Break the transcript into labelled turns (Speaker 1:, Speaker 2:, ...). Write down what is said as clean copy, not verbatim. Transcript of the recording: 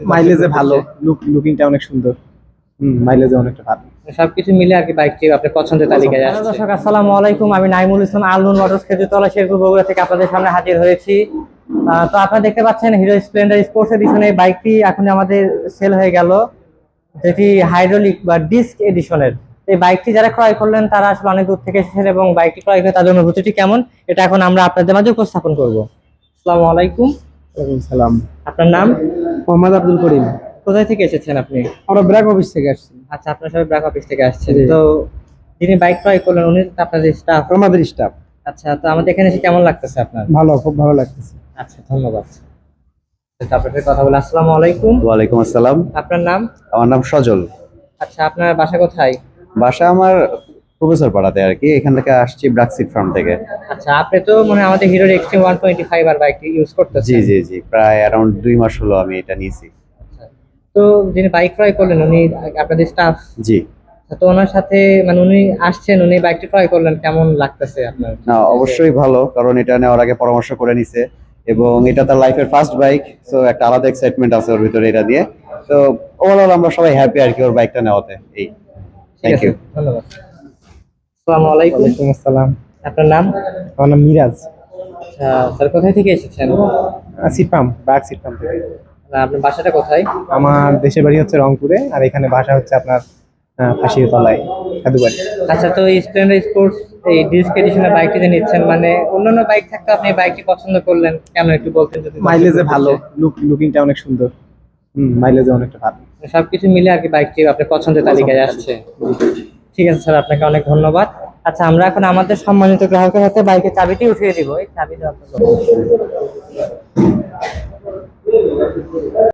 Speaker 1: মাইলেজে ভালো, লুকিংটা অনেক সুন্দর। মাইলেজে অনেকটা ভালো।
Speaker 2: সবকিছু মিলে আর কি বাইকটি আপনার পছন্দের তালিকায় আসছে। দর্শক আসসালামু আলাইকুম, আমি নাইমুল ইসলাম আলনুন মোটরস খেজুরতলা শেরপুর বগুড়া থেকে আপনাদের সামনে হাজির হয়েছি। তো আপনারা দেখতে পাচ্ছেন হিরো স্প্লেন্ডার স্পোর্টস এডিশনে বাইকটি এখন আমাদের সেল হয়ে গেল, যেটি হাইড্রোলিক বা ডিস্ক এডিশনের। এই বাইকটি যারা ক্রয় করলেন তারা আসলে অনেক দূর থেকে এসেছেন এবং বাইকটি ক্রয় করে তাদের অনুভূতিটি কেমন এটা এখন আমরা আপনাদের মাঝে উপস্থাপন করব। আসসালামু আলাইকুম।
Speaker 1: ওয়ালাইকুম সালাম।
Speaker 2: আপনার নাম?
Speaker 1: মোহাম্মদ আব্দুল করিম।
Speaker 2: কোথায় থেকে এসেছেন আপনি?
Speaker 1: আমরা ব্র্যাক অফিস থেকে আসছি।
Speaker 2: আচ্ছা, আপনার সবাই ব্র্যাক অফিস থেকে আসছেন। তো যিনি বাইক ক্রয় করলেন উনি তো আপনাদের স্টাফ?
Speaker 1: আমাদের স্টাফ।
Speaker 2: আচ্ছা, তো আমাদের এখানে এসে কেমন লাগতেছে আপনার?
Speaker 1: ভালো, খুব ভালো লাগতেছে।
Speaker 2: আচ্ছা, ধন্যবাদ। তো আপনার সাথে কথা বলে আসসালামু আলাইকুম।
Speaker 3: ওয়ালাইকুম আসসালাম।
Speaker 2: আপনার নাম?
Speaker 3: আমার নাম সজল।
Speaker 2: আচ্ছা, আপনার বাসা কোথায়?
Speaker 3: বাসা আমার প্রফেসর পাড়াতে আর কি, এখান থেকে আসছি ব্রাকসিট ফার্ম থেকে।
Speaker 2: আচ্ছা, আপনি তো মানে আমাদের হিরোর এক্সট্রিম 125 আর বাইকটি ইউজ করতেছেন?
Speaker 3: জি জি জি, প্রায় অ্যারাউন্ড 2 মাস হলো আমি এটা নিয়েছি।
Speaker 2: আচ্ছা, তো যিনি বাইক ক্রয় করলেন উনি আপনাদের স্টাফ?
Speaker 3: জি।
Speaker 2: তো ওনার সাথে মানে উনি আসছেন, উনি বাইকটি ক্রয় করলেন, কেমন লাগতেছে আপনার?
Speaker 3: না, অবশ্যই ভালো, কারণ এটা নেওয়ার আগে পরামর্শ করে নিছে এবং এটা তার লাইফের ফার্স্ট বাইক, সো একটা আলাদা এক্সাইটমেন্ট আছে ওর ভিতরে এটা দিয়ে। তো ওভারঅল আমরা সবাই হ্যাপি আর কি ওর বাইকটা নেওয়াতে। এই, থ্যাংক ইউ।
Speaker 2: ধন্যবাদ। আসসালামু আলাইকুম।
Speaker 1: ওয়ালাইকুম আসসালাম।
Speaker 2: আপনার নাম?
Speaker 1: আমার নাম মিরাজ।
Speaker 2: আচ্ছা, স্যার কোথায় থেকে এসেছেন?
Speaker 1: সিটপাম, ব্র্যাক সিটপাম থেকে।
Speaker 2: আপনার বাসাটা কোথায়?
Speaker 1: আমার দেশের বাড়ি হচ্ছে রংপুরে, আর এখানে বাসা হচ্ছে আপনার ফাঁসির তলায়, সাধুবাড়ি।
Speaker 2: আচ্ছা, তো এই স্প্লেন্ডার স্পোর্টস এই ডিস্ক এডিশনের বাইকটি যে নিচ্ছেন, মানে অন্যান্য বাইক থাকতে আপনি এই বাইকটি পছন্দ করলেন কেন একটু বলতেন যদি?
Speaker 1: মাইলেজে ভালো, লুকিংটা অনেক সুন্দর। মাইলেজে অনেকটা ভালো।
Speaker 2: সবকিছু মিলে আর কি বাইকটি আপনার পছন্দের তালিকায় আসছে। ঠিক আছে স্যার, আপনাকে অনেক ধন্যবাদ। আচ্ছা, আমরা এখন আমাদের সম্মানিত গ্রাহকের হাতে বাইকের চাবিটি উঠিয়ে দিব। এই চাবি দেওয়া